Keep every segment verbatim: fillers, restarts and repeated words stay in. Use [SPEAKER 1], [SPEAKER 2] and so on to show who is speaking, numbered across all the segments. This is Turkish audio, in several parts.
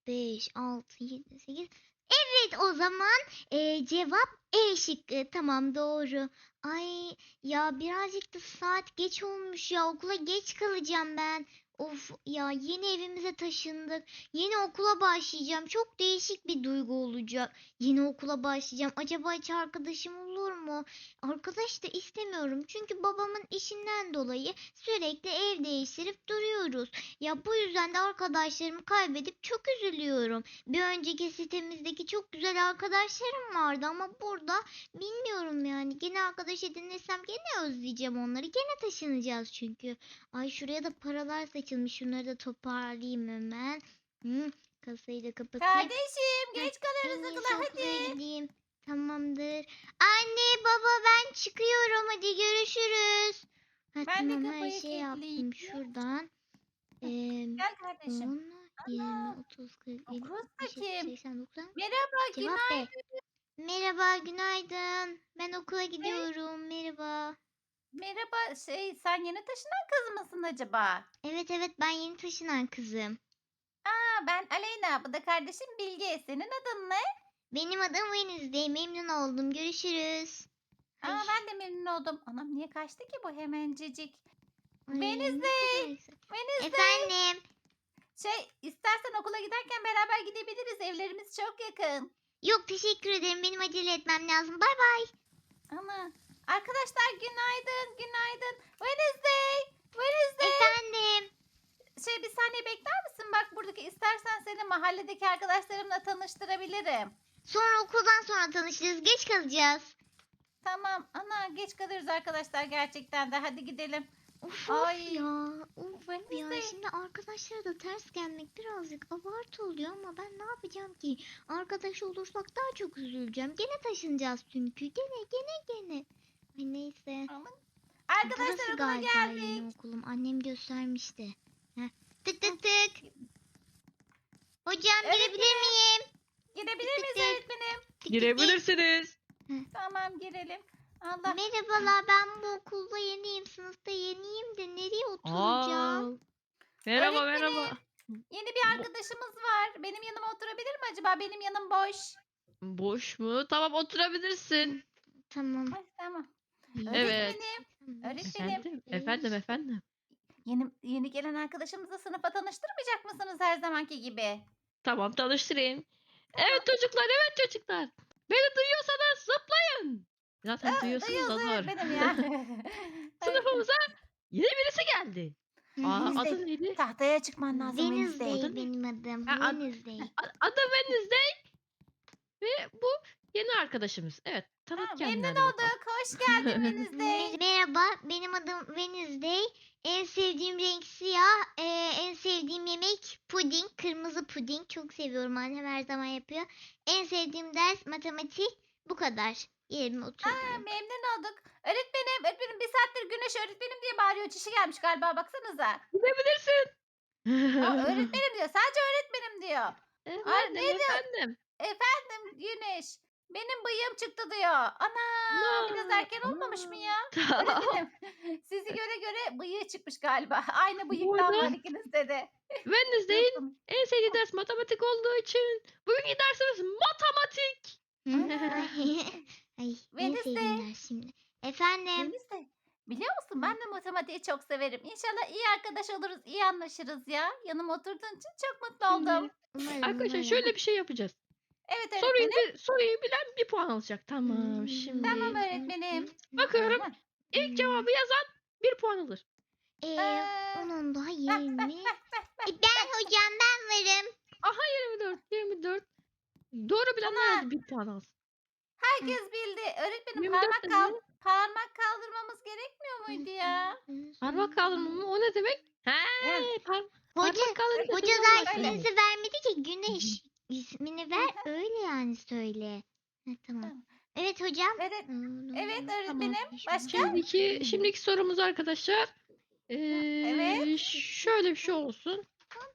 [SPEAKER 1] beş, altı, yedi, sekiz. Evet, o zaman e, cevap E şıkkı. Tamam, doğru. Ay ya, birazcık da saat geç olmuş ya. Okula geç kalacağım ben. Of ya, yeni evimize taşındık. Yeni okula başlayacağım. Çok değişik bir duygu olacak. Yeni okula başlayacağım. Acaba hiç arkadaşım olur mu? Arkadaş da istemiyorum. Çünkü babamın işinden dolayı sürekli ev değiştirip duruyoruz. Ya bu yüzden de arkadaşlarımı kaybedip çok üzülüyorum. Bir önceki sitemizdeki çok güzel arkadaşlarım vardı ama burada bilmiyorum yani. Gene arkadaş edinirsem gene özleyeceğim onları. Gene taşınacağız çünkü. Ay, şuraya da paralar saçılmış. Şunları da toparlayayım hemen. Hı, kasayı da kapatayım.
[SPEAKER 2] Kardeşim
[SPEAKER 1] Heh,
[SPEAKER 2] geç kalırız
[SPEAKER 1] en iyisi
[SPEAKER 2] okula
[SPEAKER 1] okula
[SPEAKER 2] hadi.
[SPEAKER 1] gideyim. Tamamdır. Anne baba, ben çıkıyorum. Hadi görüşürüz. Ha,
[SPEAKER 2] Ben de
[SPEAKER 1] tamam, her
[SPEAKER 2] kapıyı
[SPEAKER 1] şey
[SPEAKER 2] kilitleyeyim.
[SPEAKER 1] yaptım şuradan. Ee,
[SPEAKER 2] Gel kardeşim.
[SPEAKER 1] on, yirmi,
[SPEAKER 2] Ana
[SPEAKER 1] otuz, kırk,
[SPEAKER 2] o
[SPEAKER 1] elli,
[SPEAKER 2] kız da
[SPEAKER 1] altmış, yetmiş,
[SPEAKER 2] kim?
[SPEAKER 1] seksen, doksan.
[SPEAKER 2] Merhaba
[SPEAKER 1] Cevap B.
[SPEAKER 2] günaydın.
[SPEAKER 1] Merhaba, günaydın. Ben okula
[SPEAKER 2] Hey,
[SPEAKER 1] gidiyorum. Merhaba.
[SPEAKER 2] merhaba şey sen yeni taşınan kız mısın acaba?
[SPEAKER 1] Evet evet, ben yeni taşınan kızım.
[SPEAKER 2] Aa, ben Aleyna bu da kardeşim Bilge. Senin adın ne?
[SPEAKER 1] Benim adım Wednesday. Memnun oldum. Görüşürüz. Ay,
[SPEAKER 2] Aa, ben de memnun oldum. Anam niye kaçtı ki bu hemencecik?
[SPEAKER 1] ay ne
[SPEAKER 2] Wednesday.
[SPEAKER 1] kadar güzel.
[SPEAKER 2] Wednesday.
[SPEAKER 1] Efendim.
[SPEAKER 2] Şey istersen okula giderken beraber gidebiliriz. Evlerimiz çok yakın.
[SPEAKER 1] Yok, teşekkür ederim. Benim acele etmem lazım. Bay bay.
[SPEAKER 2] Ana. Arkadaşlar günaydın, günaydın. Wednesday, Wednesday.
[SPEAKER 1] Efendim.
[SPEAKER 2] Şey bir saniye bekler misin? Bak buradaki istersen seni mahalledeki arkadaşlarımla tanıştırabilirim.
[SPEAKER 1] Sonra okuldan sonra tanışırız. Geç kalacağız.
[SPEAKER 2] Tamam. Ana geç kalırız arkadaşlar gerçekten de. Hadi gidelim.
[SPEAKER 1] Of of
[SPEAKER 2] Ay,
[SPEAKER 1] ya. Of ya.
[SPEAKER 2] Wednesday.
[SPEAKER 1] Şimdi arkadaşlara da ters gelmek birazcık abartı oluyor ama ben ne yapacağım ki? Arkadaş olursak daha çok üzüleceğim. Gene taşınacağız çünkü. Gene gene gene. Ay, neyse.
[SPEAKER 2] Aman.
[SPEAKER 1] Burası
[SPEAKER 2] Arkadaşlar okula
[SPEAKER 1] galiba
[SPEAKER 2] geldik.
[SPEAKER 1] yeni okulum. Annem göstermişti. Heh. Tık tık tık. Hocam, girebilir
[SPEAKER 2] Öğretmenim.
[SPEAKER 1] miyim?
[SPEAKER 2] Girebilir
[SPEAKER 1] Tık tık
[SPEAKER 2] miyiz
[SPEAKER 1] tık.
[SPEAKER 2] öğretmenim?
[SPEAKER 1] Tık tık tık.
[SPEAKER 3] Girebilirsiniz.
[SPEAKER 2] Tamam girelim. Allah.
[SPEAKER 1] Merhabalar, ben bu okulda yeniyim. Sınıfta yeniyim de nereye
[SPEAKER 3] Aa,
[SPEAKER 1] oturacağım?
[SPEAKER 3] merhaba merhaba.
[SPEAKER 2] Öğretmenim. Yeni bir
[SPEAKER 3] Bo-
[SPEAKER 2] arkadaşımız var. Benim yanıma oturabilir mi acaba? Benim yanım boş.
[SPEAKER 3] boş mu? Tamam oturabilirsin.
[SPEAKER 1] Tamam.
[SPEAKER 2] Ay, tamam.
[SPEAKER 3] Evet.
[SPEAKER 2] Öğretmenim. Öğretmenim.
[SPEAKER 3] Efendim, efendim, efendim.
[SPEAKER 2] Yeni, yeni gelen arkadaşımızı sınıfa tanıştırmayacak mısınız her zamanki gibi?
[SPEAKER 3] Tamam tanıştırayım.
[SPEAKER 2] Tamam.
[SPEAKER 3] Evet çocuklar, evet çocuklar. Beni duyuyorsanız zıplayın. Zaten
[SPEAKER 2] Aa,
[SPEAKER 3] duyuyorsunuz da
[SPEAKER 2] duyuyoruz
[SPEAKER 3] zor.
[SPEAKER 2] öğretmenim ya. Ay,
[SPEAKER 3] Sınıfımıza yeni birisi geldi. Aa,
[SPEAKER 2] Wednesday.
[SPEAKER 3] adı neydi?
[SPEAKER 2] Tahtaya çıkman lazım Wednesday.
[SPEAKER 1] Wednesday
[SPEAKER 3] Adı ne?
[SPEAKER 1] benim adım.
[SPEAKER 3] Ha, ad-
[SPEAKER 1] Wednesday.
[SPEAKER 3] a- adı Wednesday ve bu yeni arkadaşımız. Evet, tanıt
[SPEAKER 2] Aa,
[SPEAKER 3] kendini
[SPEAKER 2] memnun
[SPEAKER 3] hadi bakalım.
[SPEAKER 2] olduk. Hoş geldin Wednesday.
[SPEAKER 1] Merhaba, benim adım Wednesday. En sevdiğim renk siyah. Ee, en sevdiğim yemek puding, kırmızı puding. Çok seviyorum, annem her zaman yapıyor. En sevdiğim ders matematik. Bu kadar. Yerime
[SPEAKER 2] Aa,
[SPEAKER 1] oturdum.
[SPEAKER 2] memnun olduk. Öğretmenim, öğretmenim bir saattir Güneş öğretmenim diye bağırıyor. Çişi gelmiş galiba baksanıza.
[SPEAKER 3] Gidebilirsin.
[SPEAKER 2] Aa, öğretmenim diyor. Sadece öğretmenim diyor. Aa, ne
[SPEAKER 3] Efendim,
[SPEAKER 2] diyor?
[SPEAKER 3] efendim.
[SPEAKER 2] Efendim Güneş. Benim bıyığım çıktı diyor. Ana biraz
[SPEAKER 3] Na
[SPEAKER 2] erken olmamış mı ya?
[SPEAKER 3] Tamam.
[SPEAKER 2] Öğretmenim sizi göre göre bıyığı çıkmış galiba. Aynı
[SPEAKER 3] Bu
[SPEAKER 2] bıyıktan var
[SPEAKER 3] arada
[SPEAKER 2] ikinizde de. Çok
[SPEAKER 3] Wednesday'in
[SPEAKER 2] komik.
[SPEAKER 3] en sevdiği ders matematik olduğu için bugünkü dersimiz matematik.
[SPEAKER 2] Ana.
[SPEAKER 1] Ay, en sevdiğim
[SPEAKER 2] Wednesday.
[SPEAKER 1] ders şimdi. Efendim.
[SPEAKER 2] Wednesday. Biliyor
[SPEAKER 1] Hı.
[SPEAKER 2] musun ben de matematiği çok severim. İnşallah iyi arkadaş oluruz, iyi anlaşırız ya. Yanıma oturduğun için çok mutlu oldum.
[SPEAKER 3] Şimdi
[SPEAKER 1] Umarım
[SPEAKER 3] arkadaşlar
[SPEAKER 1] umarım.
[SPEAKER 3] şöyle bir şey yapacağız.
[SPEAKER 2] Evet
[SPEAKER 3] Soruyu
[SPEAKER 2] öğretmenim.
[SPEAKER 3] bi- soruyu bilen bir puan alacak. Tamam.
[SPEAKER 2] Tamam
[SPEAKER 3] Şimdi
[SPEAKER 2] öğretmenim.
[SPEAKER 3] bakıyorum.
[SPEAKER 2] Aha.
[SPEAKER 3] İlk cevabı yazan bir puan alır.
[SPEAKER 1] Ee,
[SPEAKER 2] Ee,
[SPEAKER 1] onun daha
[SPEAKER 2] Heh,
[SPEAKER 1] yirmi.
[SPEAKER 2] heh, heh, heh,
[SPEAKER 1] E, ben hocam, ben varım.
[SPEAKER 3] Aha yirmi dört, yirmi dört. Doğru bilenler
[SPEAKER 2] Ana
[SPEAKER 3] hadi bir puan alsın.
[SPEAKER 2] herkes bildi. Öğretmenim
[SPEAKER 3] yirmi dört
[SPEAKER 2] parmak
[SPEAKER 3] de
[SPEAKER 2] kal
[SPEAKER 3] ne?
[SPEAKER 2] parmak kaldırmamız gerekmiyor muydu ya?
[SPEAKER 3] Parmak kaldırma mı? O ne demek? He,
[SPEAKER 2] Yani,
[SPEAKER 3] par
[SPEAKER 1] Hoca,
[SPEAKER 3] parmak kaldırınca
[SPEAKER 1] hoca
[SPEAKER 3] duyuyorum ben
[SPEAKER 1] zaten
[SPEAKER 2] öyle.
[SPEAKER 3] seni.
[SPEAKER 1] izi vermedi ki, Güneş ismini ver, öyle yani söyle. Ha, tamam.
[SPEAKER 2] Tamam.
[SPEAKER 1] Evet hocam.
[SPEAKER 2] Evet, evet
[SPEAKER 3] Tamam.
[SPEAKER 2] öğretmenim. Başka?
[SPEAKER 3] Şimdiki şimdiki sorumuz arkadaşlar.
[SPEAKER 2] Hı, evet.
[SPEAKER 3] Ee, şöyle bir şey olsun.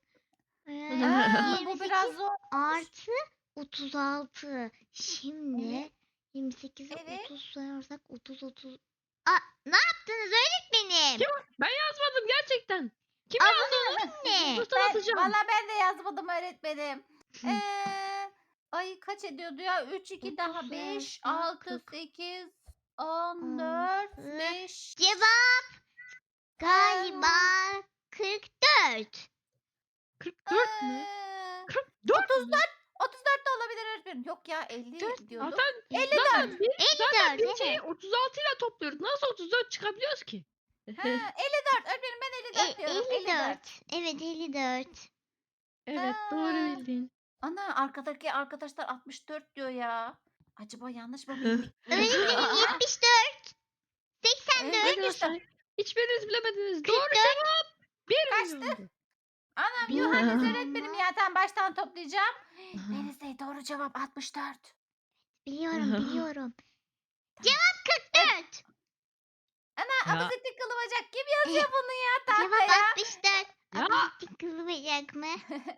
[SPEAKER 1] Ee,
[SPEAKER 2] Aa, bu
[SPEAKER 1] yirmi
[SPEAKER 2] biraz
[SPEAKER 1] sekiz
[SPEAKER 2] zor.
[SPEAKER 1] artı otuz altı. Şimdi
[SPEAKER 2] Evet.
[SPEAKER 1] yirmi sekizi
[SPEAKER 2] Evet.
[SPEAKER 1] otuz sayarsak otuz otuz. Aa, ne yaptınız öğretmenim?
[SPEAKER 3] Kim? Ben yazmadım gerçekten. Kim
[SPEAKER 1] Aa,
[SPEAKER 3] yazdı
[SPEAKER 1] bunun
[SPEAKER 3] onu?
[SPEAKER 1] ne?
[SPEAKER 3] Sınıftan
[SPEAKER 2] Ben,
[SPEAKER 3] atacağım.
[SPEAKER 2] valla ben de yazmadım öğretmenim. Ee, ay kaç ediyordu ya? üç, iki daha
[SPEAKER 1] Otuz,
[SPEAKER 2] beş,
[SPEAKER 1] altı,
[SPEAKER 2] altı,
[SPEAKER 1] kırk,
[SPEAKER 2] sekiz, on dört,
[SPEAKER 1] altı.
[SPEAKER 2] beş.
[SPEAKER 1] Cevap galiba kırk dört.
[SPEAKER 3] kırk dört mü?
[SPEAKER 2] Ee,
[SPEAKER 3] kırk dört
[SPEAKER 2] otuz
[SPEAKER 3] mü?
[SPEAKER 2] dört, otuz dört de olabilir öğretmenim. Yok ya elli
[SPEAKER 1] Dört.
[SPEAKER 2] diyorduk.
[SPEAKER 3] Zaten,
[SPEAKER 1] elli
[SPEAKER 3] zaten biz, zaten
[SPEAKER 1] elli
[SPEAKER 3] biz
[SPEAKER 1] dört,
[SPEAKER 3] şeyi
[SPEAKER 1] evet.
[SPEAKER 3] otuz altı ile topluyoruz. Nasıl otuz dört çıkabiliyoruz ki?
[SPEAKER 2] Ha, elli dört öğretmenim ben elli dört
[SPEAKER 1] E,
[SPEAKER 2] diyorum. elli dört.
[SPEAKER 1] elli dört. Evet elli dört.
[SPEAKER 3] Evet doğru
[SPEAKER 2] Ha.
[SPEAKER 3] bildin.
[SPEAKER 2] Ana arkadaki arkadaşlar altmış dört diyor ya. Acaba yanlış mı bildik?
[SPEAKER 1] Öğretmenim yetmiş dört. seksen dört.
[SPEAKER 3] Arkadaşlar hiçbiriniz bilemediniz. Doğru
[SPEAKER 1] kırk dört.
[SPEAKER 3] cevap bir
[SPEAKER 2] Kaçtı?
[SPEAKER 3] milyondu.
[SPEAKER 2] Anam
[SPEAKER 1] Bir
[SPEAKER 2] Yuhannes
[SPEAKER 1] milyon
[SPEAKER 2] öğretmenim
[SPEAKER 1] mu?
[SPEAKER 2] ya tam baştan toplayacağım. Denizli doğru cevap altmış dört.
[SPEAKER 1] Biliyorum biliyorum. Cevap kırk dört.
[SPEAKER 2] Ana
[SPEAKER 3] Ya.
[SPEAKER 2] abuzitlik kılı bacak kim yazıyor bunu ya
[SPEAKER 1] Cevap
[SPEAKER 2] tahtaya?
[SPEAKER 1] altmış dört.
[SPEAKER 3] Ya.
[SPEAKER 1] Abuzitlik kılıbacak mı?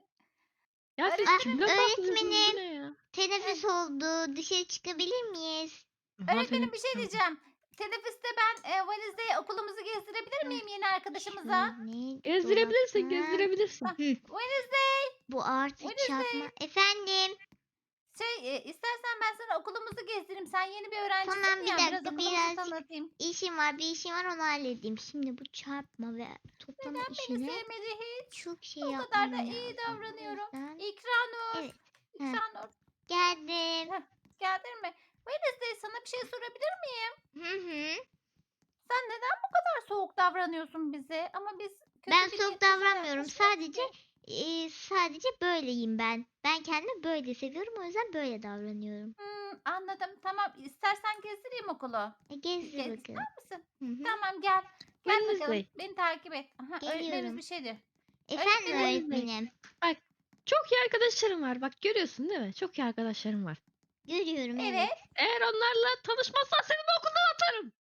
[SPEAKER 3] Ya siz
[SPEAKER 1] Ah,
[SPEAKER 3] kimden bahsediyorsunuz? Bu
[SPEAKER 1] öğretmenim.
[SPEAKER 3] ne ya?
[SPEAKER 1] Teneffüs oldu. Dışarı çıkabilir miyiz?
[SPEAKER 2] Öğretmenim bir şey
[SPEAKER 3] Aferin.
[SPEAKER 2] diyeceğim. Teneffüste ben e, valizde okulumuzu gezdirebilir miyim yeni arkadaşımıza?
[SPEAKER 1] Şöyle
[SPEAKER 3] Gezdirebilirsin,
[SPEAKER 1] dolaptan.
[SPEAKER 3] gezdirebilirsin.
[SPEAKER 1] Hı,
[SPEAKER 2] Wednesday
[SPEAKER 1] bu artı
[SPEAKER 2] Wednesday.
[SPEAKER 1] çarpma. Efendim.
[SPEAKER 2] şey e, istersen ben sana okulumuzu gezdireyim. Sen yeni bir öğrencisin
[SPEAKER 1] Tamam, bir
[SPEAKER 2] ya biraz
[SPEAKER 1] dakika,
[SPEAKER 2] okulumuzu
[SPEAKER 1] birazcık
[SPEAKER 2] tanıtayım.
[SPEAKER 1] İşim var, bir işim var, onu halledeyim. Şimdi bu çarpma ve toplama
[SPEAKER 2] Neden beni
[SPEAKER 1] işine
[SPEAKER 2] sevmedi hiç?
[SPEAKER 1] çok şey
[SPEAKER 2] O
[SPEAKER 1] yapmam
[SPEAKER 2] kadar da
[SPEAKER 1] lazım.
[SPEAKER 2] iyi
[SPEAKER 1] O
[SPEAKER 2] davranıyorum.
[SPEAKER 1] yüzden-
[SPEAKER 2] İkranur.
[SPEAKER 1] Evet. Heh.
[SPEAKER 2] İkranur.
[SPEAKER 1] Geldim.
[SPEAKER 2] Geldin mi? Wednesday sana bir şey sorabilir miyim?
[SPEAKER 1] Hı hı.
[SPEAKER 2] Sen neden bu kadar soğuk davranıyorsun bize? Ama biz kötü
[SPEAKER 1] Ben
[SPEAKER 2] bir
[SPEAKER 1] soğuk
[SPEAKER 2] niyetimiz
[SPEAKER 1] davranmıyorum.
[SPEAKER 2] yokmuş.
[SPEAKER 1] Sadece e, sadece böyleyim ben. Ben kendimi böyle seviyorum. O yüzden böyle davranıyorum.
[SPEAKER 2] Hmm, anladım. Tamam. İstersen gezdireyim okulu.
[SPEAKER 1] E, gezdir
[SPEAKER 2] Gez,
[SPEAKER 1] bakalım.
[SPEAKER 2] ister misin?
[SPEAKER 1] Hı hı.
[SPEAKER 2] Tamam gel. Gel bakalım.
[SPEAKER 3] Wednesday.
[SPEAKER 2] Beni takip et. Aha, öğretmenimiz
[SPEAKER 1] Geliyorum.
[SPEAKER 2] bir şey diyor.
[SPEAKER 1] Efendim
[SPEAKER 2] öğretmenim.
[SPEAKER 1] öğretmenim.
[SPEAKER 3] Çok iyi arkadaşlarım var. Bak görüyorsun değil mi? Çok iyi arkadaşlarım var.
[SPEAKER 1] Görüyorum, evet.
[SPEAKER 2] Evet.
[SPEAKER 3] Eğer onlarla tanışmazsan seni bu okuldan atarım.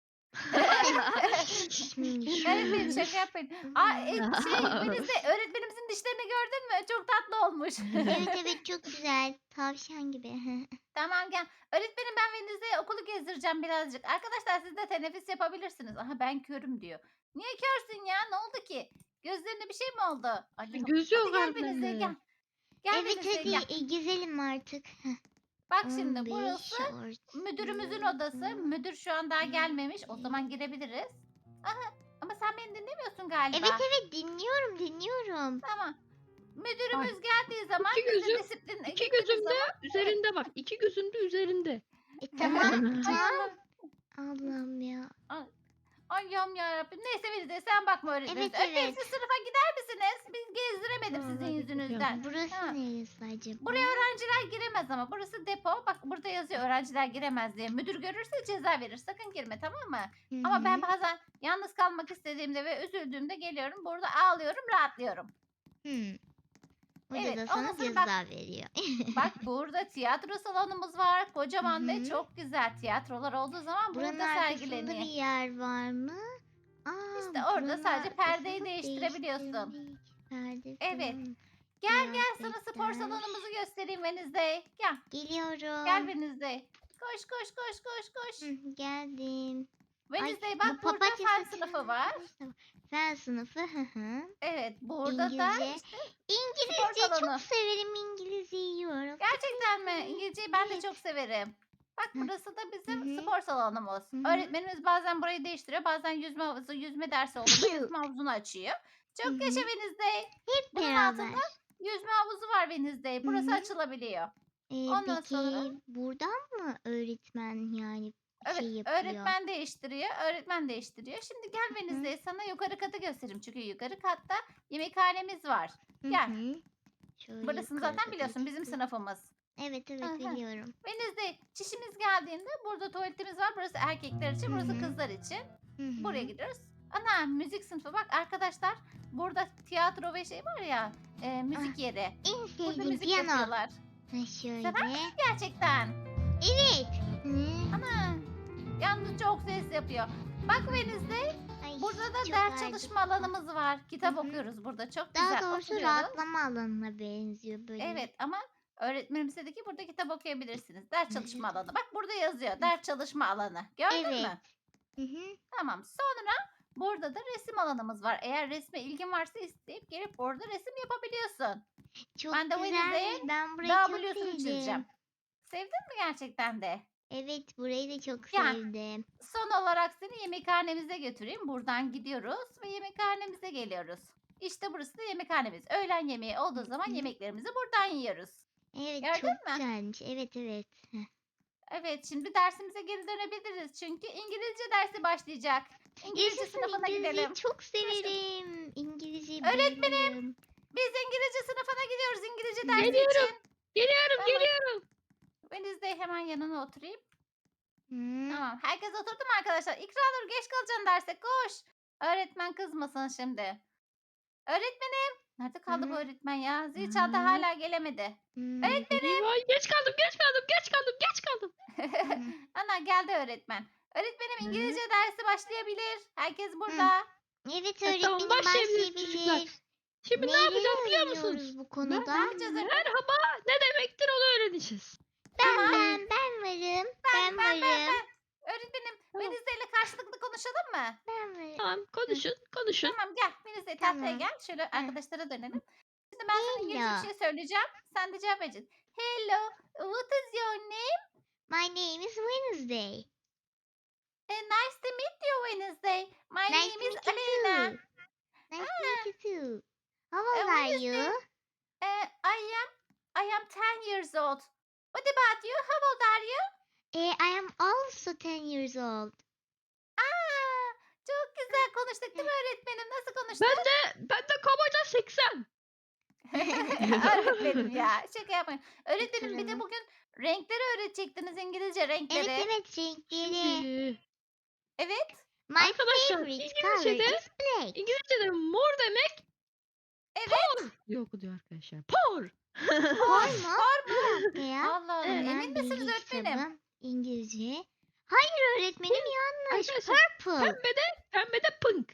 [SPEAKER 1] Şimdi
[SPEAKER 2] Öğretmenim
[SPEAKER 1] şöyle.
[SPEAKER 2] şaka yapmayın. Aa, e, şey Wednesday öğretmenimizin dişlerini gördün mü? Çok tatlı olmuş.
[SPEAKER 1] Evet evet, çok güzel. Tavşan gibi.
[SPEAKER 2] Tamam gel. Öğretmenim ben Wednesday'e okulu gezdireceğim birazcık. Arkadaşlar siz de teneffüs yapabilirsiniz. Aha ben körüm diyor. Niye körsün ya? Ne oldu ki? Gözlerine bir şey mi oldu? Ay, yok.
[SPEAKER 3] Gözü yok
[SPEAKER 2] Hadi gel
[SPEAKER 3] harbiden
[SPEAKER 2] Wednesday
[SPEAKER 3] de.
[SPEAKER 2] gel. Gel
[SPEAKER 1] Evet
[SPEAKER 2] Wednesday
[SPEAKER 1] hadi
[SPEAKER 2] gel.
[SPEAKER 1] e, gezelim artık. Heh,
[SPEAKER 2] Bak şimdi
[SPEAKER 1] on beş
[SPEAKER 2] burası
[SPEAKER 1] artı
[SPEAKER 2] müdürümüzün odası.
[SPEAKER 1] dört.
[SPEAKER 2] Müdür şu an daha gelmemiş. O zaman girebiliriz. Aha ama sen beni dinlemiyorsun galiba.
[SPEAKER 1] Evet evet, dinliyorum dinliyorum.
[SPEAKER 2] Tamam. Müdürümüz geldiği zaman
[SPEAKER 3] İki
[SPEAKER 2] biz de
[SPEAKER 3] gözüm-
[SPEAKER 2] disiplin
[SPEAKER 3] İki
[SPEAKER 2] gittiğimiz
[SPEAKER 3] gözümde
[SPEAKER 2] zaman-
[SPEAKER 3] üzerinde bak. İki gözümde üzerinde.
[SPEAKER 1] E tamam
[SPEAKER 2] Ay
[SPEAKER 1] tamam.
[SPEAKER 2] Allah.
[SPEAKER 1] Allah'ım ya.
[SPEAKER 2] Ay yam yarabbim. Neyse Wednesday sen bakma öğretmenimiz.
[SPEAKER 1] Evet,
[SPEAKER 2] Öğretmenim
[SPEAKER 1] evet.
[SPEAKER 2] siz sınıfa gider misiniz? Biz gezdiremedim
[SPEAKER 3] Aa,
[SPEAKER 2] sizin
[SPEAKER 3] hadi
[SPEAKER 2] yüzünüzden.
[SPEAKER 1] Burası
[SPEAKER 2] Ha.
[SPEAKER 1] neresi acaba?
[SPEAKER 2] Buraya öğrenciler giremez ama. Burası depo. Bak burada yazıyor öğrenciler giremez diye. Müdür görürse ceza verir. Sakın girme tamam mı?
[SPEAKER 1] Hı
[SPEAKER 2] Ama ben
[SPEAKER 1] hı.
[SPEAKER 2] bazen yalnız kalmak istediğimde ve üzüldüğümde geliyorum. Burada ağlıyorum, rahatlıyorum.
[SPEAKER 1] Hı. Hoca
[SPEAKER 2] Evet,
[SPEAKER 1] da
[SPEAKER 2] ondan
[SPEAKER 1] sana
[SPEAKER 2] sonra
[SPEAKER 1] ceza
[SPEAKER 2] bak-
[SPEAKER 1] veriyor.
[SPEAKER 2] Bak burada tiyatro salonumuz var. Kocaman
[SPEAKER 1] Hı
[SPEAKER 2] ve
[SPEAKER 1] hı.
[SPEAKER 2] çok güzel tiyatrolar olduğu zaman
[SPEAKER 1] Buranın
[SPEAKER 2] burada
[SPEAKER 1] arkasında
[SPEAKER 2] sergileniyor.
[SPEAKER 1] bir yer var mı? Aa,
[SPEAKER 2] İşte orada
[SPEAKER 1] buranın
[SPEAKER 2] sadece perdeyi
[SPEAKER 1] arkasını
[SPEAKER 2] değiştirebiliyorsun.
[SPEAKER 1] değiştirdik. Perde
[SPEAKER 2] Evet.
[SPEAKER 1] falan.
[SPEAKER 2] Gel gel sana spor
[SPEAKER 1] Kıyafetler.
[SPEAKER 2] salonumuzu göstereyim Venizde. Gel.
[SPEAKER 1] Geliyorum.
[SPEAKER 2] Gel Venizde. Koş koş koş koş koş.
[SPEAKER 1] Hı, geldim.
[SPEAKER 2] Venizde
[SPEAKER 1] Ay,
[SPEAKER 2] bak
[SPEAKER 1] bu
[SPEAKER 2] burada
[SPEAKER 1] papatya
[SPEAKER 2] fen
[SPEAKER 1] saçı
[SPEAKER 2] sınıfı var.
[SPEAKER 1] Fen sınıfı. Hı hı.
[SPEAKER 2] Evet burada da
[SPEAKER 1] İngilizce.
[SPEAKER 2] işte
[SPEAKER 1] İngilizce
[SPEAKER 2] salonu.
[SPEAKER 1] çok severim. İngilizce yiyorum.
[SPEAKER 2] gerçekten mi? İngilizceyi ben de
[SPEAKER 1] Evet.
[SPEAKER 2] çok severim. Bak
[SPEAKER 1] Hı.
[SPEAKER 2] burası da bizim
[SPEAKER 1] Hı hı.
[SPEAKER 2] spor salonumuz.
[SPEAKER 1] Hı hı.
[SPEAKER 2] Öğretmenimiz bazen burayı değiştiriyor. Bazen yüzme havuzu, yüzme dersi olduğunda yüzme havuzunu açıyor.
[SPEAKER 1] Hı
[SPEAKER 2] Çok
[SPEAKER 1] hı.
[SPEAKER 2] yaşa Venizde.
[SPEAKER 1] Hep
[SPEAKER 2] Bunun
[SPEAKER 1] beraber.
[SPEAKER 2] altında yüzme havuzu var Venizde. Burası
[SPEAKER 1] Hı hı.
[SPEAKER 2] açılabiliyor.
[SPEAKER 1] Ee,
[SPEAKER 2] Ondan
[SPEAKER 1] peki
[SPEAKER 2] sonra-
[SPEAKER 1] buradan mı öğretmen yani
[SPEAKER 2] Evet,
[SPEAKER 1] şey yapıyor?
[SPEAKER 2] öğretmen değiştiriyor. Öğretmen değiştiriyor. Şimdi gel Venizde sana yukarı katı göstereyim. Çünkü yukarı katta yemekhanemiz var.
[SPEAKER 1] Hı
[SPEAKER 2] gel.
[SPEAKER 1] hı. Şöyle
[SPEAKER 2] Burasını
[SPEAKER 1] yukarıda
[SPEAKER 2] zaten biliyorsun bizim
[SPEAKER 1] geçti.
[SPEAKER 2] sınıfımız.
[SPEAKER 1] Evet evet,
[SPEAKER 2] Aha.
[SPEAKER 1] biliyorum.
[SPEAKER 2] Venizde çişimiz geldiğinde burada tuvaletimiz var. Burası erkekler için,
[SPEAKER 1] Hı
[SPEAKER 2] burası
[SPEAKER 1] hı.
[SPEAKER 2] kızlar için.
[SPEAKER 1] Hı hı.
[SPEAKER 2] Buraya gidiyoruz. Ana müzik sınıfı bak arkadaşlar. Burada tiyatro ve şey var ya e, müzik yeri.
[SPEAKER 1] En
[SPEAKER 2] Burada
[SPEAKER 1] sevdiğim
[SPEAKER 2] müzik
[SPEAKER 1] piyano.
[SPEAKER 2] yapıyorlar.
[SPEAKER 1] Ha şöyle.
[SPEAKER 2] Sever Gerçekten.
[SPEAKER 1] Evet. Hı.
[SPEAKER 2] Ana. Yalnız çok ses yapıyor. Bak Venizde
[SPEAKER 1] Ay,
[SPEAKER 2] burada da
[SPEAKER 1] çok
[SPEAKER 2] ders
[SPEAKER 1] acıktım.
[SPEAKER 2] çalışma alanımız var. Kitap
[SPEAKER 1] Hı hı.
[SPEAKER 2] okuyoruz burada. Çok
[SPEAKER 1] Daha
[SPEAKER 2] güzel
[SPEAKER 1] doğrusu
[SPEAKER 2] oturuyoruz.
[SPEAKER 1] rahatlama alanına benziyor böyle.
[SPEAKER 2] Evet ama öğretmenimiz dedi ki burada kitap okuyabilirsiniz. Ders
[SPEAKER 1] Hı
[SPEAKER 2] çalışma alanı. Bak burada yazıyor. Ders çalışma alanı. Gördün
[SPEAKER 1] Evet.
[SPEAKER 2] mü?
[SPEAKER 1] Hı hı.
[SPEAKER 2] Tamam. Sonra Burada da resim alanımız var. Eğer resme ilgin varsa isteyip gelip orada resim yapabiliyorsun.
[SPEAKER 1] Çok
[SPEAKER 2] Ben de Wednesday'e
[SPEAKER 1] güzelmiş. Ben burayı çok
[SPEAKER 2] W'sunu çizeceğim.
[SPEAKER 1] sevdim.
[SPEAKER 2] Sevdin mi gerçekten de?
[SPEAKER 1] Evet, burayı da çok
[SPEAKER 2] Ya
[SPEAKER 1] sevdim.
[SPEAKER 2] son olarak seni yemekhanemize götüreyim. Buradan gidiyoruz ve yemekhanemize geliyoruz. İşte burası da yemekhanemiz. Öğlen yemeği olduğu zaman
[SPEAKER 1] Hı.
[SPEAKER 2] yemeklerimizi buradan yiyoruz.
[SPEAKER 1] Evet,
[SPEAKER 2] Gördün
[SPEAKER 1] çok
[SPEAKER 2] mü?
[SPEAKER 1] güzelmiş. Evet, evet. Heh.
[SPEAKER 2] Evet, şimdi dersimize geri dönebiliriz. Çünkü İngilizce dersi başlayacak. İngilizce
[SPEAKER 1] Yaşasın,
[SPEAKER 2] sınıfına
[SPEAKER 1] İngilizceyi
[SPEAKER 2] gidelim.
[SPEAKER 1] çok
[SPEAKER 2] Koşun.
[SPEAKER 1] severim. İngilizceyi
[SPEAKER 2] Öğretmenim,
[SPEAKER 1] bayılırım.
[SPEAKER 2] biz İngilizce sınıfına gidiyoruz İngilizce dersi
[SPEAKER 3] Geliyorum.
[SPEAKER 2] için.
[SPEAKER 3] Geliyorum
[SPEAKER 2] Tamam.
[SPEAKER 3] geliyorum.
[SPEAKER 2] Wednesday hemen yanına oturayım.
[SPEAKER 1] Hı.
[SPEAKER 2] Tamam. Herkes oturdu mu arkadaşlar? İkranur geç kalacaksın derse. Koş. Öğretmen kızmasın şimdi. Öğretmenim. Nerede kaldı bu
[SPEAKER 1] Hı.
[SPEAKER 2] öğretmen ya? Zil çaldı
[SPEAKER 3] Hı.
[SPEAKER 2] hala gelemedi.
[SPEAKER 1] Hı.
[SPEAKER 2] Öğretmenim.
[SPEAKER 3] Eyvah, geç kaldım geç kaldım geç kaldım geç kaldım.
[SPEAKER 1] Hı.
[SPEAKER 2] Ana geldi öğretmen. Öğretmenim
[SPEAKER 3] Hı.
[SPEAKER 2] İngilizce dersi başlayabilir. Herkes
[SPEAKER 1] Hı.
[SPEAKER 2] burada.
[SPEAKER 1] Evet,
[SPEAKER 3] E, tamam,
[SPEAKER 1] öğretmenim
[SPEAKER 3] başlayabiliriz çocuklar.
[SPEAKER 1] başlayabilir.
[SPEAKER 3] Şimdi ne
[SPEAKER 1] Neleri
[SPEAKER 3] yapacağız biliyor
[SPEAKER 1] öğreniyoruz
[SPEAKER 3] musunuz?
[SPEAKER 1] bu
[SPEAKER 3] Ben
[SPEAKER 1] konuda?
[SPEAKER 2] Ne yapacağız öğretmenim?
[SPEAKER 3] merhaba ne demektir onu öğreneceğiz.
[SPEAKER 1] Ben
[SPEAKER 2] Tamam.
[SPEAKER 1] ben ben varım. Ben,
[SPEAKER 2] Ben ben ben
[SPEAKER 1] varım.
[SPEAKER 2] ben. Öğretmenim
[SPEAKER 3] Tamam.
[SPEAKER 2] Wednesday ile karşılıklı konuşalım mı?
[SPEAKER 1] Ben varım.
[SPEAKER 3] Tamam, konuşun konuşun.
[SPEAKER 2] Tamam gel. Wednesday tahtaya
[SPEAKER 1] Tamam.
[SPEAKER 2] gel. Şöyle
[SPEAKER 1] Hı.
[SPEAKER 2] arkadaşlara dönelim. Şimdi ben sana İngilizce bir
[SPEAKER 1] Hello.
[SPEAKER 2] şey söyleyeceğim. Sen de cevap vereceksin. Hello. What is your name?
[SPEAKER 1] My name is Wednesday.
[SPEAKER 2] Eh, nice to meet you Wednesday. My
[SPEAKER 1] Nice
[SPEAKER 2] name
[SPEAKER 1] to
[SPEAKER 2] is
[SPEAKER 1] meet you
[SPEAKER 2] Alena.
[SPEAKER 1] too. Nice to meet
[SPEAKER 2] Ah,
[SPEAKER 1] you too. How
[SPEAKER 2] eh,
[SPEAKER 1] old are
[SPEAKER 2] Wednesday.
[SPEAKER 1] you?
[SPEAKER 2] eh, I am I am ten years old. What about you? How old are you?
[SPEAKER 1] Eh, I am also ten years old.
[SPEAKER 2] Aa, çok güzel konuştuk değil mi öğretmenim? Nasıl konuştuk?
[SPEAKER 3] Ben de ben de kabaca seksen.
[SPEAKER 2] Öğretmenim ya. Şaka yapmayın. Öğretmenim bir de
[SPEAKER 1] Oturalım.
[SPEAKER 2] bugün renkleri öğretecektiniz İngilizce
[SPEAKER 1] Evet
[SPEAKER 2] renkleri.
[SPEAKER 1] evet, renkleri.
[SPEAKER 3] Şimdi
[SPEAKER 2] Evet.
[SPEAKER 1] My
[SPEAKER 3] arkadaşlar
[SPEAKER 1] favorite color
[SPEAKER 3] İngilizce'de
[SPEAKER 1] is black.
[SPEAKER 3] İngilizce'de mor demek
[SPEAKER 2] Evet.
[SPEAKER 3] por diye okunuyor arkadaşlar. Por.
[SPEAKER 1] Por mu? Bir dakika ya.
[SPEAKER 2] Allah Allah.
[SPEAKER 3] Evet.
[SPEAKER 2] Emin
[SPEAKER 1] Hemen
[SPEAKER 2] misiniz
[SPEAKER 1] bilgi
[SPEAKER 2] öğretmenim?
[SPEAKER 1] kitabım. İngilizce. Hayır öğretmenim, yanlış.
[SPEAKER 3] Arkadaşlar
[SPEAKER 1] Purple.
[SPEAKER 3] pembede pembede pink.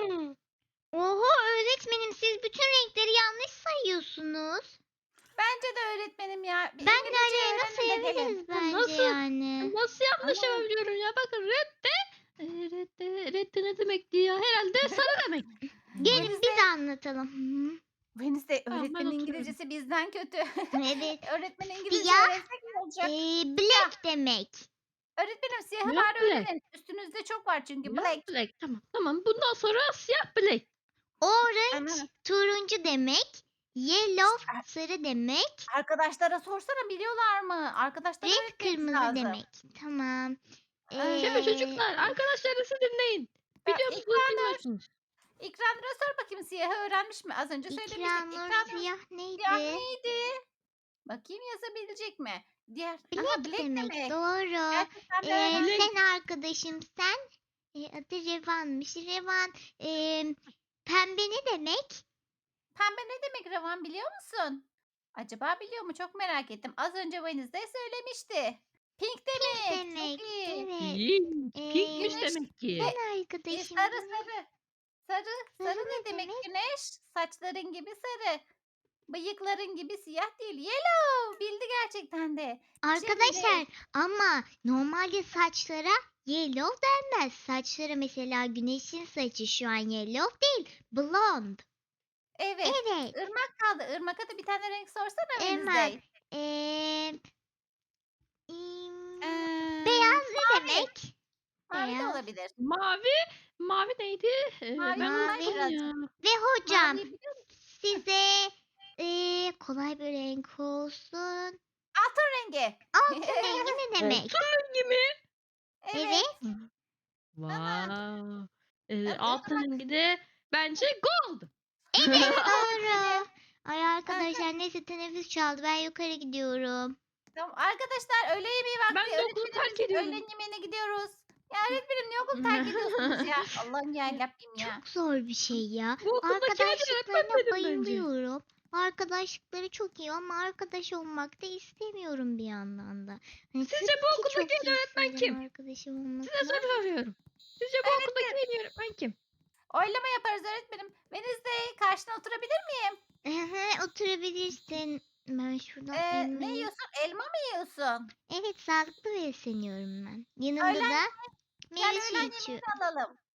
[SPEAKER 1] Oho öğretmenim, siz bütün renkleri yanlış sayıyorsunuz.
[SPEAKER 2] Bence de öğretmenim ya. Bir
[SPEAKER 1] Ben
[SPEAKER 2] İngilizce
[SPEAKER 1] de nasıl
[SPEAKER 2] öğrenin de gelin.
[SPEAKER 1] yapabiliriz bence
[SPEAKER 3] Nasıl?
[SPEAKER 1] yani.
[SPEAKER 3] Nasıl yanlış
[SPEAKER 2] Ama-
[SPEAKER 3] yapabiliyorum ya? Bakın red de e, red de, red de ne demekti ya? Herhalde sarı demek.
[SPEAKER 1] Gelin
[SPEAKER 2] Wednesday-
[SPEAKER 1] biz anlatalım. Hı.
[SPEAKER 2] Wednesday
[SPEAKER 3] Tamam, ben
[SPEAKER 2] öğretmenin
[SPEAKER 3] oturuyorum.
[SPEAKER 2] İngilizcesi bizden kötü.
[SPEAKER 1] Evet.
[SPEAKER 2] Öğretmenin İngilizce
[SPEAKER 1] Siyah.
[SPEAKER 2] öğrensek ne olacak?
[SPEAKER 1] Ee, black demek.
[SPEAKER 2] Öğretmenim siyahı
[SPEAKER 3] Siyah
[SPEAKER 2] bari
[SPEAKER 3] black.
[SPEAKER 2] öğrenin. Üstünüzde çok var çünkü
[SPEAKER 3] Siyah
[SPEAKER 2] black.
[SPEAKER 3] black. Tamam tamam. Bundan sonra siyah black.
[SPEAKER 1] Orange
[SPEAKER 2] Ana.
[SPEAKER 1] turuncu demek. Yellow sarı demek.
[SPEAKER 2] Arkadaşlara sorsana biliyorlar mı? Arkadaşlara
[SPEAKER 1] Red
[SPEAKER 2] öğretmemiz
[SPEAKER 1] kırmızı
[SPEAKER 2] lazım.
[SPEAKER 1] demek. Tamam.
[SPEAKER 2] Ay.
[SPEAKER 3] Şimdi
[SPEAKER 1] Ee,
[SPEAKER 3] çocuklar arkadaşlarınızı dinleyin.
[SPEAKER 2] Ya,
[SPEAKER 3] Biliyor musunuz
[SPEAKER 2] İkranur,
[SPEAKER 3] bilmiyorsunuz.
[SPEAKER 2] İkranur'a sor bakayım siyahı öğrenmiş mi? Az önce söylemiştik.
[SPEAKER 1] İkranur
[SPEAKER 2] İkranur
[SPEAKER 1] siyah neydi?
[SPEAKER 2] siyah neydi? Bakayım yazabilecek mi? Diğer. Aha,
[SPEAKER 1] Black
[SPEAKER 2] black
[SPEAKER 1] demek.
[SPEAKER 2] demek.
[SPEAKER 1] Doğru.
[SPEAKER 2] Gerçekten de
[SPEAKER 1] Ee,
[SPEAKER 2] öğrenmiş.
[SPEAKER 1] sen arkadaşım sen. Ee, adı Revan'mış. Revan ee, pembe ne demek?
[SPEAKER 2] Pembe ne demek Ravan biliyor musun? Acaba biliyor mu? Çok merak ettim. Az önce Wednesday söylemişti. Pink demek.
[SPEAKER 1] Demek.
[SPEAKER 2] Çok iyi.
[SPEAKER 1] Evet.
[SPEAKER 3] İyi.
[SPEAKER 1] Ee,
[SPEAKER 3] Pinkmiş
[SPEAKER 2] güneş-
[SPEAKER 3] demek ki.
[SPEAKER 1] Ben
[SPEAKER 2] Ee,
[SPEAKER 1] arkadaşım.
[SPEAKER 2] sarı sarı. Sarı. Sarı
[SPEAKER 1] Sarı
[SPEAKER 2] ne
[SPEAKER 1] ne
[SPEAKER 2] demek
[SPEAKER 1] demek?
[SPEAKER 2] güneş? Saçların gibi sarı. Bıyıkların gibi siyah değil. Yellow. Bildi gerçekten de.
[SPEAKER 1] Arkadaşlar ama normalde saçlara yellow denmez. Saçlara mesela güneşin saçı şu an yellow değil. Blonde.
[SPEAKER 2] Evet.
[SPEAKER 1] Evet.
[SPEAKER 2] Irmak kaldı. Irmak'a da bir tane renk sorsana
[SPEAKER 1] Hemen.
[SPEAKER 2] Wednesday.
[SPEAKER 1] Ee, im,
[SPEAKER 2] Ee,
[SPEAKER 1] beyaz ne
[SPEAKER 2] mavi.
[SPEAKER 1] demek?
[SPEAKER 2] Mavi de
[SPEAKER 1] Beyaz.
[SPEAKER 2] olabilir.
[SPEAKER 3] Mavi. Mavi neydi? Ee,
[SPEAKER 2] Mavi
[SPEAKER 3] ben
[SPEAKER 1] mavi.
[SPEAKER 3] unuttum ya.
[SPEAKER 1] Ve hocam
[SPEAKER 2] Maviyi biliyor musun?
[SPEAKER 1] size ee, kolay bir renk olsun.
[SPEAKER 2] Altın rengi.
[SPEAKER 1] Altın rengi ne demek?
[SPEAKER 3] Altın rengi mi?
[SPEAKER 2] Evet.
[SPEAKER 1] Evet.
[SPEAKER 3] Wow. Ee,
[SPEAKER 2] Evet,
[SPEAKER 3] altın rengi de bence gold.
[SPEAKER 1] Evet doğru. Ay arkadaşlar neyse teneffüs çaldı. Ben yukarı gidiyorum.
[SPEAKER 2] Tamam. Arkadaşlar öğle yemeği vakti.
[SPEAKER 3] Ben de okulu
[SPEAKER 2] Öğretmenimizin
[SPEAKER 3] terk ediyorum.
[SPEAKER 2] öğlen yemeğine gidiyoruz. Ya öğretmenim niye okulu terk ediyorsunuz ya? Allah'ım yarabbim ya.
[SPEAKER 1] Çok zor bir şey ya.
[SPEAKER 3] Bu okuldaki hadi
[SPEAKER 1] Arkadaşlıklarına
[SPEAKER 3] öğretmen benim bence.
[SPEAKER 1] bayılıyorum. Arkadaşlıkları çok iyi ama arkadaş olmak da istemiyorum bir yandan da. Hani
[SPEAKER 3] Sizce
[SPEAKER 1] sırf
[SPEAKER 3] bu
[SPEAKER 1] ki
[SPEAKER 3] okuldaki
[SPEAKER 1] çok
[SPEAKER 3] en iyi öğretmen
[SPEAKER 1] isterim
[SPEAKER 3] kim?
[SPEAKER 1] arkadaşım olmasını.
[SPEAKER 3] Size soru soruyorum. Sizce bu okuldaki en iyi öğretmen kim?
[SPEAKER 2] Oylama yaparız öğretmenim. Wednesday karşına oturabilir miyim?
[SPEAKER 1] Ehe, oturabilirsin. Ben şuradan
[SPEAKER 2] Ee, ne
[SPEAKER 1] elmayı...
[SPEAKER 2] yiyorsun? Elma mı yiyorsun?
[SPEAKER 1] Evet, sağlıklı besleniyorum ben. Yanında
[SPEAKER 2] Öğlen-
[SPEAKER 1] da
[SPEAKER 2] Gel
[SPEAKER 1] meyve
[SPEAKER 2] öğlen
[SPEAKER 1] suyu
[SPEAKER 2] yemeğini
[SPEAKER 1] içiyorum.
[SPEAKER 2] alalım.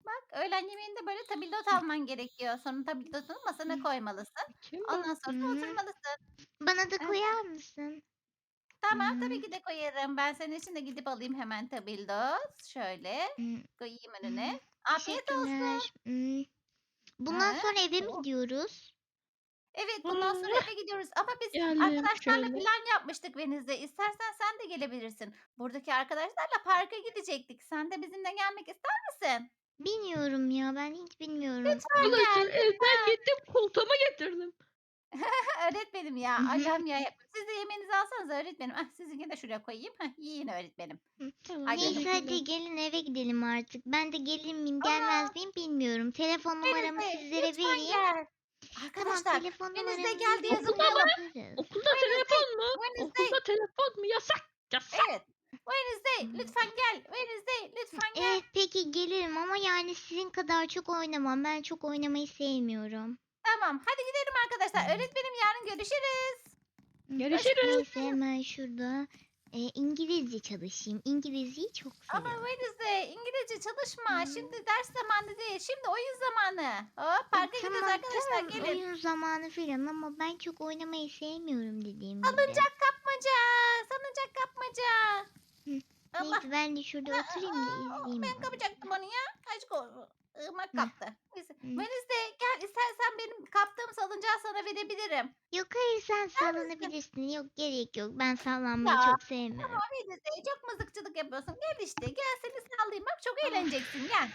[SPEAKER 2] Bak öğlen yemeğinde böyle tabildot alman gerekiyor. Sonra tabildotunu masana koymalısın.
[SPEAKER 3] Kim
[SPEAKER 2] Ondan
[SPEAKER 3] bu?
[SPEAKER 2] sonra da
[SPEAKER 1] Hı.
[SPEAKER 2] oturmalısın.
[SPEAKER 1] Bana da
[SPEAKER 2] Evet.
[SPEAKER 1] koyar mısın?
[SPEAKER 2] Tamam tabii
[SPEAKER 1] Hı.
[SPEAKER 2] ki de koyarım. Ben senin için de gidip alayım hemen tabildot. Şöyle
[SPEAKER 1] Hı.
[SPEAKER 2] koyayım
[SPEAKER 1] Hı.
[SPEAKER 2] önüne. Afiyet olsun.
[SPEAKER 1] Teşekkürler. Hı. Bundan
[SPEAKER 2] Ha?
[SPEAKER 1] sonra eve mi
[SPEAKER 2] Oh.
[SPEAKER 1] gidiyoruz?
[SPEAKER 2] Evet bundan sonra
[SPEAKER 3] Ah,
[SPEAKER 2] eve gidiyoruz. Ama biz
[SPEAKER 3] geldim
[SPEAKER 2] arkadaşlarla
[SPEAKER 3] şöyle.
[SPEAKER 2] plan yapmıştık Venizde. İstersen sen de gelebilirsin. Buradaki arkadaşlarla parka gidecektik. Sen de bizimle gelmek ister misin?
[SPEAKER 1] Bilmiyorum ya, ben hiç bilmiyorum.
[SPEAKER 2] Lütfen
[SPEAKER 1] Hı.
[SPEAKER 2] gel
[SPEAKER 3] Arkadaşlar evden
[SPEAKER 2] lütfen.
[SPEAKER 3] gittim koltuğumu getirdim.
[SPEAKER 2] Öğretmenim ya. Allah'ım ya. Siz de yemeğinizi alsanız öğretmenim. Ah, sizinki de şuraya koyayım. Heh, yiyin öğretmenim.
[SPEAKER 1] Hı.
[SPEAKER 3] Tamam
[SPEAKER 2] Hadi
[SPEAKER 1] Neyse
[SPEAKER 3] teşekkürler.
[SPEAKER 1] hadi gelin eve gidelim artık. Ben de gelir miyim
[SPEAKER 2] Aa,
[SPEAKER 1] gelmez miyim bilmiyorum. Telefon numaramı
[SPEAKER 2] Venizde
[SPEAKER 1] sizlere
[SPEAKER 2] lütfen
[SPEAKER 1] vereyim.
[SPEAKER 2] gel.
[SPEAKER 1] Tamam,
[SPEAKER 2] Arkadaşlar
[SPEAKER 1] telefon
[SPEAKER 2] Venizde
[SPEAKER 1] numaranızı
[SPEAKER 2] gel diye
[SPEAKER 1] verin,
[SPEAKER 3] Okulda mı?
[SPEAKER 2] zıplayalım.
[SPEAKER 1] yaparız.
[SPEAKER 3] Okulda
[SPEAKER 2] Wednesday,
[SPEAKER 3] telefon mu?
[SPEAKER 2] Wednesday.
[SPEAKER 3] Okulda telefon mu? Yasak. Yasak.
[SPEAKER 2] Evet. Wednesday
[SPEAKER 1] Hı.
[SPEAKER 2] lütfen gel. Wednesday lütfen gel.
[SPEAKER 1] Evet peki gelirim ama yani sizin kadar çok oynamam. Ben çok oynamayı sevmiyorum.
[SPEAKER 2] Tamam. Hadi gidelim arkadaşlar. Öğretmenim yarın görüşürüz.
[SPEAKER 1] Hı.
[SPEAKER 3] Görüşürüz.
[SPEAKER 1] Neyse hemen şurada e, İngilizce çalışayım. İngilizceyi çok
[SPEAKER 2] Ama
[SPEAKER 1] seviyorum.
[SPEAKER 2] Wednesday İngilizce çalışma.
[SPEAKER 1] Hı.
[SPEAKER 2] Şimdi ders zamanı değil. Şimdi oyun zamanı. Hop
[SPEAKER 1] E,
[SPEAKER 2] parka gidiyoruz
[SPEAKER 1] tamam
[SPEAKER 2] arkadaşlar.
[SPEAKER 1] tamam
[SPEAKER 2] Gelin.
[SPEAKER 1] oyun zamanı falan ama ben çok oynamayı sevmiyorum dediğim gibi.
[SPEAKER 2] Salıncak kapmaca. Salıncak kapmaca.
[SPEAKER 1] Hı.
[SPEAKER 2] Allah.
[SPEAKER 1] Neyse ben de şurada oturayım da
[SPEAKER 2] Aa,
[SPEAKER 1] izleyeyim
[SPEAKER 2] ben
[SPEAKER 1] onu.
[SPEAKER 2] kapacaktım onu ya. Aşk olsun. Irmak
[SPEAKER 1] Hı.
[SPEAKER 2] kaptı. Neyse.
[SPEAKER 1] Hı.
[SPEAKER 2] Wednesday gel istersen benim kaptığım salıncağı sana verebilirim.
[SPEAKER 1] Yok hayır sen
[SPEAKER 2] İster misin?
[SPEAKER 1] sallanabilirsin. Yok gerek yok. Ben sallanmayı
[SPEAKER 2] Ya
[SPEAKER 1] çok sevmiyorum.
[SPEAKER 2] ama Wednesday çok mızıkçılık yapıyorsun. Gel işte gel seni sallayayım. Bak çok
[SPEAKER 1] Of.
[SPEAKER 2] eğleneceksin gel.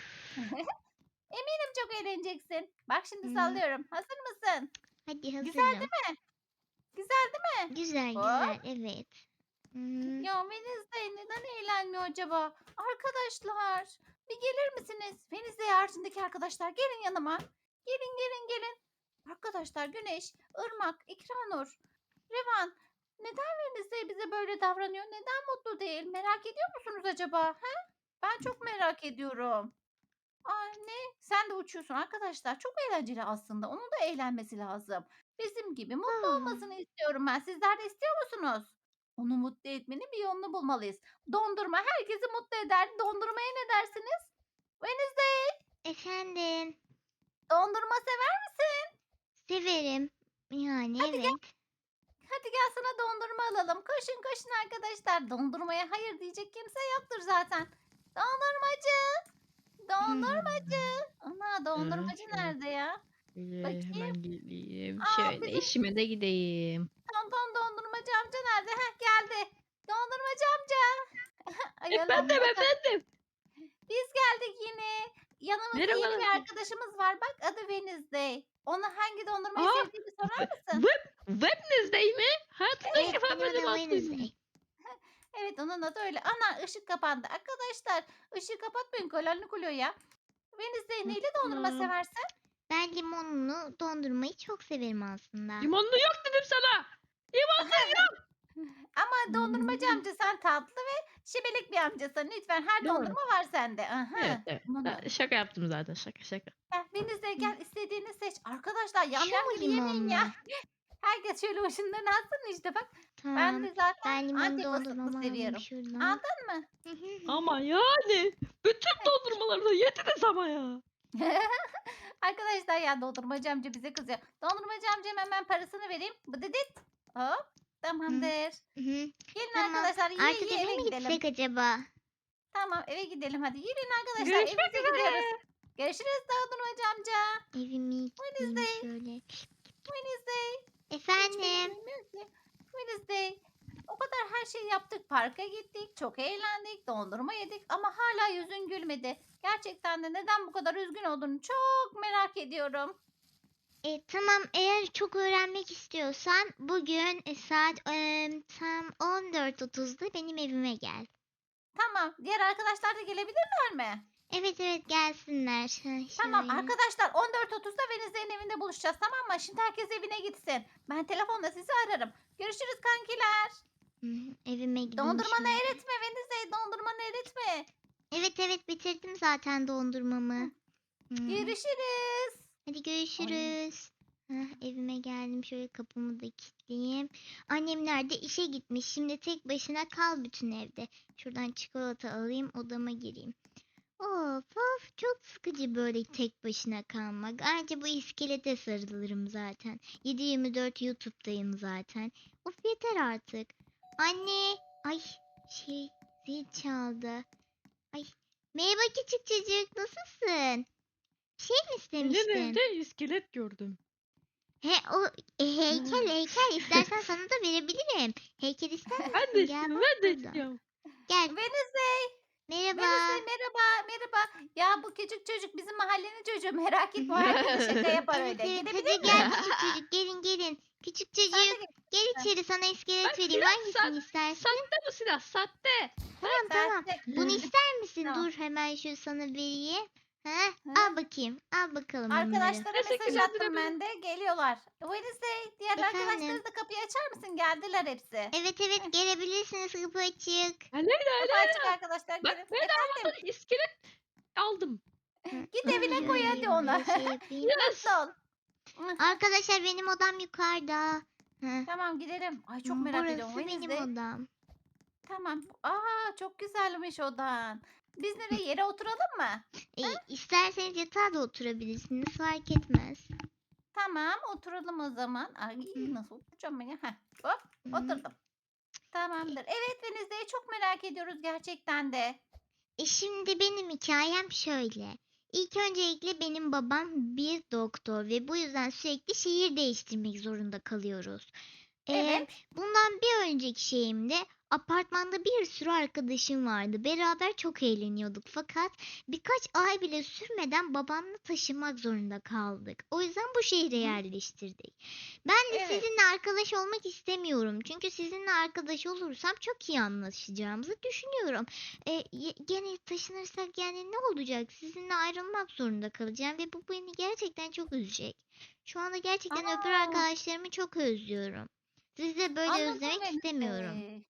[SPEAKER 2] Eminim çok eğleneceksin. Bak şimdi
[SPEAKER 1] Hı.
[SPEAKER 2] sallıyorum. Hazır mısın?
[SPEAKER 1] Hadi
[SPEAKER 2] Güzel
[SPEAKER 1] hazırım.
[SPEAKER 2] değil mi? Güzel değil mi?
[SPEAKER 1] Güzel güzel
[SPEAKER 2] Hop.
[SPEAKER 1] evet. Hı.
[SPEAKER 2] Ya Wednesday neden eğlenmiyor acaba? Arkadaşlar bir gelir misiniz? Wednesday haricindeki arkadaşlar gelin yanıma. Gelin gelin gelin. Arkadaşlar Güneş, Irmak, İkranur, Revan neden Wednesday bize böyle davranıyor? Neden mutlu değil? Merak ediyor musunuz acaba? He? Ben çok merak ediyorum. Anne, sen de uçuyorsun arkadaşlar. Çok eğlenceli aslında. Onun da eğlenmesi lazım. Bizim gibi mutlu
[SPEAKER 1] Ah.
[SPEAKER 2] olmasını istiyorum ben. Sizler de istiyor musunuz? Onu mutlu etmenin bir yolunu bulmalıyız. Dondurma herkesi mutlu eder. Dondurmaya ne dersiniz? Wednesday,
[SPEAKER 1] Efendim.
[SPEAKER 2] dondurma sever misin?
[SPEAKER 1] Severim. Yani
[SPEAKER 2] Hadi gel,
[SPEAKER 1] evet.
[SPEAKER 2] hadi gel sana dondurma alalım. Koşun koşun arkadaşlar. Dondurmaya hayır diyecek kimse yoktur zaten. Dondurmacı, dondurmacı. Ana
[SPEAKER 3] Ha,
[SPEAKER 2] dondurmacı
[SPEAKER 3] şöyle,
[SPEAKER 2] nerede ya?
[SPEAKER 3] şöyle
[SPEAKER 2] Bakayım.
[SPEAKER 3] hemen geleyim.
[SPEAKER 2] Aa,
[SPEAKER 3] Şöyle
[SPEAKER 2] bizim
[SPEAKER 3] işime de gideyim.
[SPEAKER 2] tonton dondurmacı amca nerede? Heh geldi. Dondurmacı amca. Ay Allah'ım
[SPEAKER 3] Efendim
[SPEAKER 2] ya.
[SPEAKER 3] efendim.
[SPEAKER 2] Biz geldik yine. Yanımızda yeni
[SPEAKER 3] Merhabalar.
[SPEAKER 2] bir arkadaşımız var. Bak adı Wednesday. Ona hangi dondurmayı
[SPEAKER 3] Aa,
[SPEAKER 2] sevdiğini sorar
[SPEAKER 3] ve-
[SPEAKER 2] mısın?
[SPEAKER 3] web, Wednesday mi? Hayatımda ilk
[SPEAKER 1] Evet
[SPEAKER 3] defa
[SPEAKER 1] benim
[SPEAKER 3] böyle bir
[SPEAKER 1] adım
[SPEAKER 3] ad duydum.
[SPEAKER 1] Wednesday.
[SPEAKER 2] Evet onun adı öyle. Ana ışık kapandı. Arkadaşlar ışığı kapatmayın. Kolonlu kuluyor ya. Wednesday neyle dondurma
[SPEAKER 3] Tamam.
[SPEAKER 2] seversin?
[SPEAKER 1] Ben limonlu dondurmayı çok severim aslında.
[SPEAKER 3] Limonlu yok dedim sana. Limonlu yok.
[SPEAKER 2] Ama dondurmacı amca sen tatlı ve şibelik bir amcasın. Lütfen her
[SPEAKER 3] Doğru.
[SPEAKER 2] dondurma var sende.
[SPEAKER 3] Evet
[SPEAKER 2] Aha.
[SPEAKER 3] evet.
[SPEAKER 2] Bunu.
[SPEAKER 3] Ben şaka yaptım zaten. Şaka şaka.
[SPEAKER 2] Gel Wednesday
[SPEAKER 1] Hı.
[SPEAKER 2] gel istediğini seç. Arkadaşlar yam
[SPEAKER 1] Şu
[SPEAKER 2] yam
[SPEAKER 1] mu
[SPEAKER 2] gibi yemeyin ya.
[SPEAKER 1] limonlu?
[SPEAKER 2] Herkes şöyle ucundan alsın işte bak. Ben
[SPEAKER 1] Tamam.
[SPEAKER 2] de zaten
[SPEAKER 1] Ben limonlu
[SPEAKER 2] Antep fıstıklı
[SPEAKER 1] dondurmamı alayım
[SPEAKER 2] seviyorum.
[SPEAKER 1] şuradan.
[SPEAKER 2] Aldın mı?
[SPEAKER 1] Hı hı hı hı.
[SPEAKER 3] Ama yani bütün dondurmaları da yediniz ama ya.
[SPEAKER 2] Arkadaşlar ya dondurmacı amca bize kızıyor. Dondurmacı amcam hemen parasını vereyim. Bıdıdıt. Hop.
[SPEAKER 1] Hı
[SPEAKER 2] Tamamdır.
[SPEAKER 1] hı.
[SPEAKER 2] Gelin
[SPEAKER 1] Tamam.
[SPEAKER 2] arkadaşlar yiye
[SPEAKER 1] Artık
[SPEAKER 2] yiye
[SPEAKER 1] eve
[SPEAKER 2] eve
[SPEAKER 1] mi
[SPEAKER 2] gidelim.
[SPEAKER 1] gitsek acaba?
[SPEAKER 2] Tamam eve gidelim hadi. Yürüyün arkadaşlar
[SPEAKER 3] Görüşmek
[SPEAKER 2] evimize gidiyoruz.
[SPEAKER 3] üzere.
[SPEAKER 2] Görüşürüz dondurmacı amca.
[SPEAKER 1] Evime gideyim
[SPEAKER 2] Wednesday.
[SPEAKER 1] şöyle.
[SPEAKER 2] Wednesday. Hiç beni
[SPEAKER 1] Efendim.
[SPEAKER 2] duymuyor ki. Wednesday. O kadar her şeyi yaptık. Parka gittik. Çok eğlendik. Dondurma yedik. Ama hala yüzün gülmedi. Gerçekten de neden bu kadar üzgün olduğunu çok merak ediyorum.
[SPEAKER 1] E, tamam eğer çok öğrenmek istiyorsan bugün e, saat e, tam on dört otuzda benim evime gel.
[SPEAKER 2] Tamam. Diğer arkadaşlar da gelebilirler mi?
[SPEAKER 1] Evet evet gelsinler. Ha,
[SPEAKER 2] Tamam
[SPEAKER 1] şöyle.
[SPEAKER 2] arkadaşlar on dört otuzda Venizde'nin evinde buluşacağız tamam mı? Şimdi herkes evine gitsin. Ben telefonda sizi ararım. Görüşürüz kankiler.
[SPEAKER 1] Hı hı, evime gideyim
[SPEAKER 2] Dondurmanı
[SPEAKER 1] şöyle.
[SPEAKER 2] eritme Venizde. Dondurmanı eritme.
[SPEAKER 1] Evet evet bitirdim zaten dondurmamı.
[SPEAKER 2] Hı.
[SPEAKER 1] Hı hı.
[SPEAKER 2] Görüşürüz.
[SPEAKER 1] Hadi
[SPEAKER 2] Ay.
[SPEAKER 1] görüşürüz. Hah, evime geldim şöyle kapımı da kilitleyeyim. Annemler de işe gitmiş. Şimdi tek başına kal bütün evde. Şuradan çikolata alayım odama gireyim. Of of çok sıkıcı böyle tek başına kalmak. Ayrıca bu iskelete sarılırım zaten. yedi yirmi dört YouTube'dayım zaten. Of yeter artık. Anne. Ay şey zil çaldı. Ay merhaba küçük çocuk nasılsın? Şey mi
[SPEAKER 3] Senin
[SPEAKER 1] istemiştin?
[SPEAKER 3] evde iskelet gördüm.
[SPEAKER 1] He o e, heykel heykel istersen sana da verebilirim. Heykel ister misin?
[SPEAKER 3] Ben de
[SPEAKER 1] Gel
[SPEAKER 3] istiyorum.
[SPEAKER 1] bak
[SPEAKER 3] Ben de
[SPEAKER 1] burada.
[SPEAKER 3] istiyorum.
[SPEAKER 1] Gel.
[SPEAKER 2] Wednesday,
[SPEAKER 1] Merhaba.
[SPEAKER 2] Wednesday merhaba, merhaba. Ya bu küçük çocuk bizim mahallenin çocuğu. Merak etme, o herkese şaka yapar
[SPEAKER 1] Evet
[SPEAKER 2] öyle.
[SPEAKER 1] evet
[SPEAKER 2] Gidebilir
[SPEAKER 1] hadi gel
[SPEAKER 2] miyim?
[SPEAKER 1] küçük çocuk gelin gelin. Küçük
[SPEAKER 2] Sen de
[SPEAKER 1] çocuk
[SPEAKER 2] gel.
[SPEAKER 1] gel içeri sana
[SPEAKER 3] Ben
[SPEAKER 1] iskelet vereyim.
[SPEAKER 3] silah
[SPEAKER 1] Hangisini
[SPEAKER 3] sat,
[SPEAKER 1] istersin?
[SPEAKER 3] sahte bu silah sahte.
[SPEAKER 1] Tamam tamam.
[SPEAKER 2] Sen de.
[SPEAKER 1] Bunu ister misin?
[SPEAKER 2] Tamam.
[SPEAKER 1] Dur hemen şu sana vereyim. Ha?
[SPEAKER 2] Hı?
[SPEAKER 1] Al bakayım. Al bakalım bunları.
[SPEAKER 2] Arkadaşlara mesaj
[SPEAKER 3] Teşekkürler,
[SPEAKER 2] attım
[SPEAKER 3] güle
[SPEAKER 2] ben de. Geliyorlar. Wednesday, diğer
[SPEAKER 1] Efendim?
[SPEAKER 2] arkadaşları da kapıyı açar mısın? Geldiler hepsi.
[SPEAKER 1] Evet evet gelebilirsiniz kapı açık.
[SPEAKER 3] Aleyna
[SPEAKER 2] Kapı açık
[SPEAKER 3] Aleyna.
[SPEAKER 2] arkadaşlar,
[SPEAKER 3] Bak
[SPEAKER 2] gelin.
[SPEAKER 3] ben
[SPEAKER 2] Efendim,
[SPEAKER 3] almadan iskelet aldım.
[SPEAKER 1] Hı,
[SPEAKER 2] git
[SPEAKER 1] dur,
[SPEAKER 2] evine koy
[SPEAKER 1] şöyle
[SPEAKER 2] hadi onu.
[SPEAKER 1] şey yapayım.
[SPEAKER 3] Yes.
[SPEAKER 2] Mutlu ol. Hı,
[SPEAKER 1] Arkadaşlar benim odam yukarıda. Hı.
[SPEAKER 2] Tamam gidelim. Ay çok merak
[SPEAKER 1] Burası
[SPEAKER 2] ediyorum.
[SPEAKER 1] benim
[SPEAKER 2] Wednesday.
[SPEAKER 1] odam.
[SPEAKER 2] Tamam. Aa çok güzelmiş odan. Biz nereye, yere oturalım mı?
[SPEAKER 1] E, isterseniz yatağa da oturabilirsiniz fark etmez.
[SPEAKER 2] Tamam oturalım o zaman. Ay nasıl oturacağım ben ya? Heh, hop
[SPEAKER 1] Hı.
[SPEAKER 2] oturdum. Tamamdır. Evet Wednesday'i çok merak ediyoruz gerçekten de.
[SPEAKER 1] E şimdi benim hikayem şöyle. İlk öncelikle benim babam bir doktor ve bu yüzden sürekli şehir değiştirmek zorunda kalıyoruz. Ee,
[SPEAKER 2] Evet.
[SPEAKER 1] bundan bir önceki şeyimde apartmanda bir sürü arkadaşım vardı. Beraber çok eğleniyorduk. Fakat birkaç ay bile sürmeden babamla taşınmak zorunda kaldık. O yüzden bu şehre
[SPEAKER 2] Hı.
[SPEAKER 1] yerleştirdik. Ben de
[SPEAKER 2] Evet.
[SPEAKER 1] sizinle arkadaş olmak istemiyorum. Çünkü sizinle arkadaş olursam çok iyi anlaşacağımızı düşünüyorum. E, ye- gene taşınırsak yani ne olacak? Sizinle ayrılmak zorunda kalacağım ve bu beni gerçekten çok üzecek. Şu anda gerçekten öbür
[SPEAKER 2] Aa,
[SPEAKER 1] arkadaşlarımı çok özlüyorum. Sizi de böyle
[SPEAKER 2] anladım
[SPEAKER 1] özlemek istemiyorum.
[SPEAKER 2] Wednesday.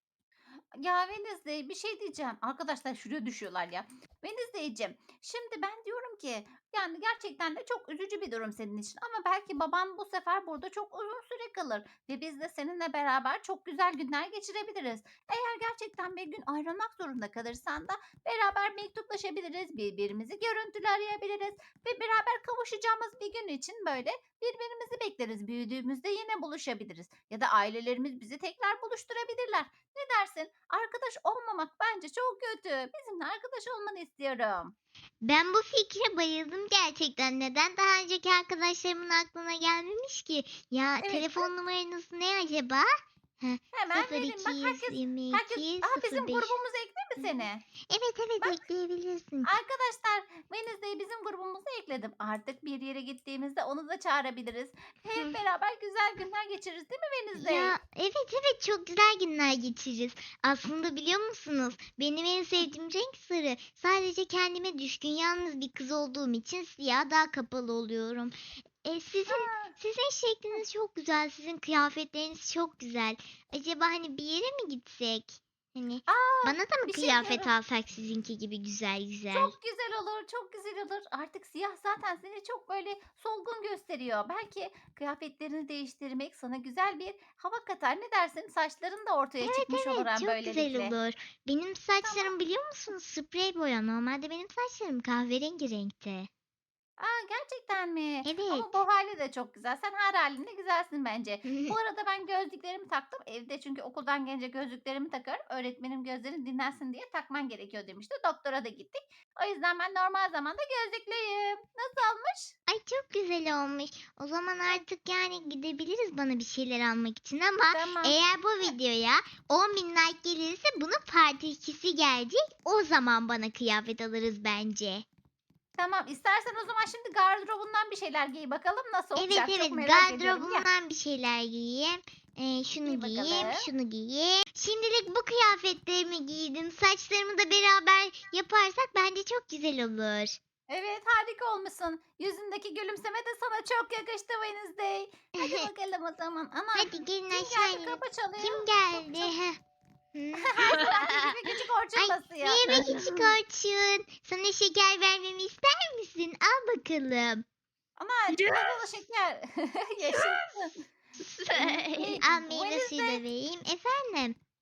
[SPEAKER 2] Ya Wednesday bir şey diyeceğim. Arkadaşlar şuraya düşüyorlar ya. Wednesday'cim şimdi ben diyorum ki yani gerçekten de çok üzücü bir durum senin için. Ama belki babam bu sefer burada çok uzun süre kalır. Ve biz de seninle beraber çok güzel günler geçirebiliriz. Eğer gerçekten bir gün ayrılmak zorunda kalırsan da beraber mektuplaşabiliriz. Birbirimizi görüntülü arayabiliriz. Ve beraber kavuşacağımız bir gün için böyle birbirimizi bekleriz. Büyüdüğümüzde yine buluşabiliriz. Ya da ailelerimiz bizi tekrar buluşturabilirler. Ne dersin? Arkadaş olmamak bence çok kötü. Bizimle arkadaş olmanı istiyorum.
[SPEAKER 1] Ben bu fikre bayıldım gerçekten. Neden daha önceki arkadaşlarımın aklına gelmemiş ki? Ya
[SPEAKER 2] Evet,
[SPEAKER 1] telefon numaranız ne acaba? Heh,
[SPEAKER 2] hemen vereyim. Bak herkes, herkes, aa bizim
[SPEAKER 1] sıfır iki
[SPEAKER 2] grubumuza ekle mi seni?
[SPEAKER 1] Evet evet
[SPEAKER 2] Bak
[SPEAKER 1] ekleyebilirsin.
[SPEAKER 2] arkadaşlar Wednesday'i bizim grubumuza ekledim. Artık bir yere gittiğimizde onu da çağırabiliriz. Hep beraber güzel günler geçiririz değil mi Wednesday?
[SPEAKER 1] Ya evet evet çok güzel günler geçiririz. Aslında biliyor musunuz? Benim en sevdiğim renk sarı. Sadece kendime düşkün yalnız bir kız olduğum için siyah daha kapalı oluyorum. E, sizin
[SPEAKER 2] Aa,
[SPEAKER 1] sizin şekliniz çok güzel. Sizin kıyafetleriniz çok güzel. Acaba hani bir yere mi gitsek? Hani
[SPEAKER 2] aa,
[SPEAKER 1] bana da mı
[SPEAKER 2] bir şey
[SPEAKER 1] kıyafet
[SPEAKER 2] diyorum.
[SPEAKER 1] alsak sizinki gibi güzel güzel?
[SPEAKER 2] Çok güzel olur, çok güzel olur. Artık siyah zaten seni çok böyle solgun gösteriyor. Belki kıyafetlerini değiştirmek sana güzel bir hava katar. Ne dersin? Saçların da ortaya
[SPEAKER 1] Evet
[SPEAKER 2] çıkmış olur
[SPEAKER 1] evet
[SPEAKER 2] hem
[SPEAKER 1] çok güzel
[SPEAKER 2] böylelikle.
[SPEAKER 1] olur. Benim
[SPEAKER 2] Tamam.
[SPEAKER 1] saçlarım biliyor musunuz sprey boya. Normalde benim saçlarım kahverengi renkte.
[SPEAKER 2] Aa, gerçekten mi?
[SPEAKER 1] Evet.
[SPEAKER 2] Ama bu hali de çok güzel. Sen her halinde güzelsin bence. Bu arada ben gözlüklerimi taktım evde çünkü okuldan gelince gözlüklerimi takarım. Öğretmenim gözlerin dinlensin diye takman gerekiyor demişti. Doktora da gittik. O yüzden ben normal zamanda gözlüklüyüm. Nasıl olmuş?
[SPEAKER 1] Ay çok güzel olmuş. O zaman artık yani gidebiliriz bana bir şeyler almak için ama
[SPEAKER 2] Tamam.
[SPEAKER 1] eğer bu videoya on bin like gelirse bunun part ikisi gelecek. O zaman bana kıyafet alırız bence.
[SPEAKER 2] Tamam. İstersen o zaman şimdi gardırobundan bir şeyler giy bakalım nasıl
[SPEAKER 1] Evet
[SPEAKER 2] olacak. Çok
[SPEAKER 1] evet
[SPEAKER 2] merak ediyorum. Ya.
[SPEAKER 1] gardırobumdan bir şeyler giyeyim. Ee, şunu
[SPEAKER 2] Giy
[SPEAKER 1] giyeyim,
[SPEAKER 2] bakalım.
[SPEAKER 1] şunu giyeyim. Şimdilik bu kıyafetlerimi giydim. Saçlarımı da beraber yaparsak bence çok güzel olur.
[SPEAKER 2] Evet harika olmuşsun. Yüzündeki gülümseme de sana çok yakıştı Wednesday. Hadi bakalım o zaman. Ana
[SPEAKER 1] Hadi gelin
[SPEAKER 2] kim
[SPEAKER 1] aşağı
[SPEAKER 2] geldi?
[SPEAKER 1] inelim.
[SPEAKER 2] Kapı çalıyor.
[SPEAKER 1] Kim
[SPEAKER 2] Kapı
[SPEAKER 1] geldi?
[SPEAKER 2] çalıyor.
[SPEAKER 1] Heh. Hı.
[SPEAKER 2] Her zamanki gibi küçük Orçun
[SPEAKER 1] Ay
[SPEAKER 2] basıyor.
[SPEAKER 1] merhaba küçük Orçun. Sana şeker vermemi ister misin? Al bakalım.
[SPEAKER 2] Ana çikolatalı şeker. Yaşasın.
[SPEAKER 1] Al meyve suyu da
[SPEAKER 2] Wednesday,
[SPEAKER 1] vereyim. Efendim?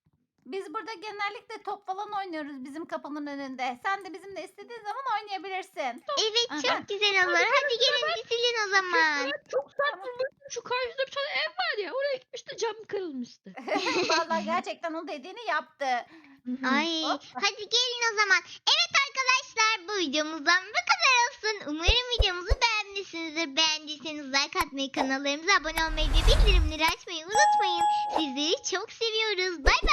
[SPEAKER 2] Biz burada genellikle top falan oynuyoruz bizim kapının önünde. Sen de bizimle istediğin zaman oynayabilirsin.
[SPEAKER 1] Evet
[SPEAKER 2] Aha.
[SPEAKER 1] çok güzel olur. Hadi gelin dizilin o zaman.
[SPEAKER 3] Ben çok sert vurmuştum. Şu karşıda bir tane ev var ya. Oraya gitmişti, cam kırılmıştı.
[SPEAKER 2] Vallahi gerçekten o dediğini yaptı.
[SPEAKER 1] Ay
[SPEAKER 2] Hop.
[SPEAKER 1] hadi gelin o zaman. Evet arkadaşlar bu videomuzdan bu kadar olsun. Umarım videomuzu beğenmişsinizdir. Beğendiyseniz like atmayı, kanallarımıza abone olmayı ve bildirimleri açmayı unutmayın. Sizleri çok seviyoruz. Bye